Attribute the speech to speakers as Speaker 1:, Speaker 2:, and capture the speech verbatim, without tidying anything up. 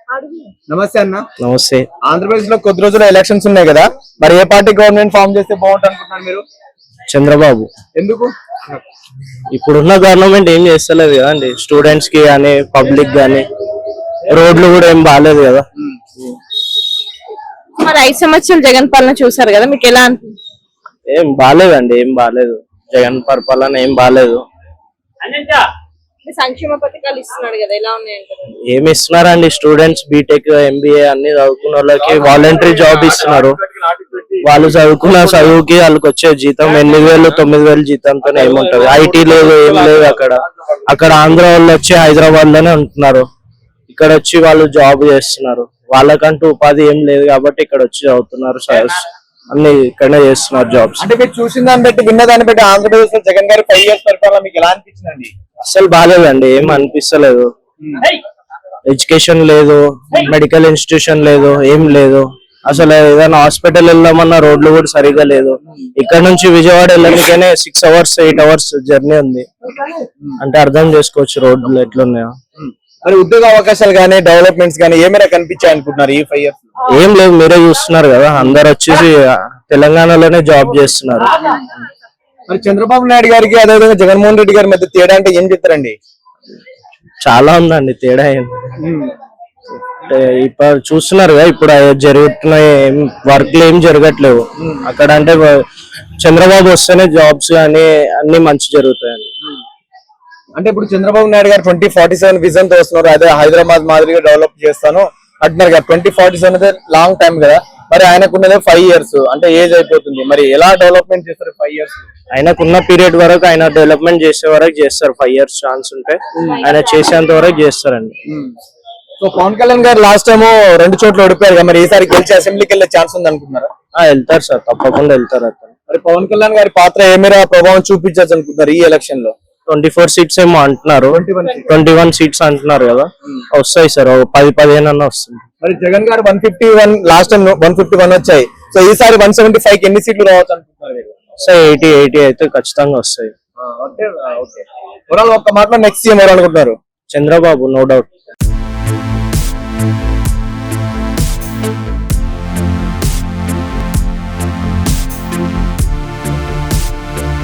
Speaker 1: నమస్తే అన్న.
Speaker 2: నమస్తే.
Speaker 1: ఆంధ్రప్రదేశ్ లో కొద్ది రోజులు ఎలక్షన్స్ ఉన్నాయి కదా, మరి ఏ పార్టీ గవర్నమెంట్ ఫామ్ చేస్తే బాగుంటుంది అనుకుంటున్నారు మీరు?
Speaker 2: చంద్రబాబు.
Speaker 1: ఎందుకు?
Speaker 2: ఇప్పుడున్న గవర్నమెంట్ ఏం చేస్తలేదు కదా అండి, స్టూడెంట్స్ కి గానీ పబ్లిక్ గానీ రోడ్లు కూడా ఏం బాగాలేదు కదా.
Speaker 3: మరి ఐదు సంవత్సరాలు జగన్ పాలన చూసారు కదా, మీకు ఎలా అనిపించింది?
Speaker 2: ఏం బాగాలేదండి, ఏం బాగాలేదు. జగన్ పరిపాలన ఏం బాగాలేదు.
Speaker 3: సంక్షేమ పథకాలు ఇస్తున్నాడు కదా, ఎలా ఉన్నాయంటారు?
Speaker 2: ఏమి ఇస్తున్నారండి, స్టూడెంట్స్ బీటెక్ ఎంబీఏ అన్ని చదువుకున్న వాళ్ళకి వాలంటరీ జాబ్ ఇస్తున్నారు. వాళ్ళు చదువుకున్న చదువుకి వాళ్ళకి వచ్చే జీతం ఎనిమిది వేలు తొమ్మిది వేలు జీతంతో ఏముంటది. ఐటీ లేదు, ఏం లేదు అక్కడ. అక్కడ ఆంధ్ర వాళ్ళు వచ్చి హైదరాబాద్ లోనే ఉంటున్నారు, ఇక్కడ వచ్చి వాళ్ళు జాబ్ చేస్తున్నారు. వాళ్ళకంటూ ఉపాధి ఏం లేదు కాబట్టి ఇక్కడ వచ్చి చదువుతున్నారు, అన్ని ఇక్కడనే చేస్తున్నారు జాబ్స్.
Speaker 1: అంటే మీరు చూసిన దాన్ని బట్టి విన్న దాన్ని బట్టి ఆంధ్రప్రదేశ్ లో జగన్ గారి ఫైవ్ ఇయర్స్ పరిపాలన మీకు ఎలా అనిపించిందండి?
Speaker 2: అసలు బాగాలేదండి, ఏం అనిపిస్తలేదు. ఎడ్యుకేషన్ లేదు, మెడికల్ ఇన్స్టిట్యూషన్ లేదు, ఏం లేదు. అసలు ఏదైనా హాస్పిటల్ వెళ్దామన్నా రోడ్లు కూడా సరిగా లేదు. ఇక్కడ నుంచి విజయవాడ వెళ్ళడానికైనా six hours eight hours journey ఉంది. అంటే అర్థం చేసుకోవచ్చు రోడ్లు ఎట్లున్నాయో.
Speaker 1: మరి ఉద్యోగ అవకాశాలు గానీ డెవలప్మెంట్స్ గానీ ఏమైనా కనిపించాయి అనుకుంటున్నారు ఈ ఫైవ్ ఇయర్స్?
Speaker 2: ఏం లేదు, మీరే చూస్తున్నారు కదా, అందరు వచ్చేసి తెలంగాణలోనే జాబ్ చేస్తున్నారు.
Speaker 1: మరి చంద్రబాబు నాయుడు గారికి అదేవిధంగా జగన్మోహన్ రెడ్డి గారి మధ్య తేడా అంటే ఏం చెప్తారండి?
Speaker 2: చాలా ఉందండి తేడా. ఇప్పుడు చూస్తున్నారు కదా, ఇప్పుడు జరుగుతున్న వర్క్లు ఏం జరగట్లేవు అక్కడ. అంటే చంద్రబాబు వస్తేనే జాబ్స్ కానీ అన్ని మంచి జరుగుతాయండి.
Speaker 1: అంటే ఇప్పుడు చంద్రబాబు నాయుడు గారు ట్వంటీ ఫార్టీ సెవెన్ విజన్ తో వస్తున్నారు, అదే హైదరాబాద్ మాదిరిగా డెవలప్ చేస్తాను అంటున్నారు కదా. ట్వంటీ ఫార్టీ సెవెన్ అయితే లాంగ్ టైం కదా, మరి ఆయనకున్నదే ఫైవ్ ఇయర్స్ అంటే ఏజ్ అయిపోతుంది. మరి ఎలా డెవలప్మెంట్ చేస్తారు ఫైవ్ ఇయర్స్?
Speaker 2: ఆయనకున్న పీరియడ్ వరకు ఆయన డెవలప్మెంట్ చేసే వరకు చేస్తారు. ఫైవ్ ఇయర్స్ ఛాన్స్ ఉంటే ఆయన చేసేంత వరకు చేస్తారండి.
Speaker 1: సో పవన్ కళ్యాణ్ గారు లాస్ట్ టైం రెండు చోట్ల ఓడిపోయారు కదా, మరి ఈసారి గెలిచి అసెంబ్లీకి వెళ్ళే ఛాన్స్ ఉంది అనుకుంటున్నారా?
Speaker 2: వెళ్తారు సార్, తప్పకుండా వెళ్తారు. అతను
Speaker 1: మరి పవన్ కళ్యాణ్ గారి పాత్ర ఏమైనా ప్రభావం చూపించచ్చు అనుకుంటున్నారు ఈ ఎలక్షన్ లో?
Speaker 2: ట్వంటీ ఫోర్ సీట్స్ ఏమో అంటున్నారు, ట్వంటీ వన్ సీట్స్ అంటున్నారు కదా, వస్తాయి సార్. పది పదిహేను అన్న వస్తుంది.
Speaker 1: మరి Jagan garu one fifty one last time one fifty one వచ్చాయి. సో ఈసారి వన్ సెవెంటీ ఫైవ్ కి ఎన్ని సీట్లు రావచ్చు అనుకుంటున్నారు?
Speaker 2: సార్ ఎయిటీ ఎయిటీ అయితే ఖచ్చితంగా వస్తాయి.
Speaker 1: ఒక్క మాటలో నెక్స్ట్ సీఎం ఎవరు అనుకుంటున్నారు?
Speaker 2: Chandrababu, no doubt.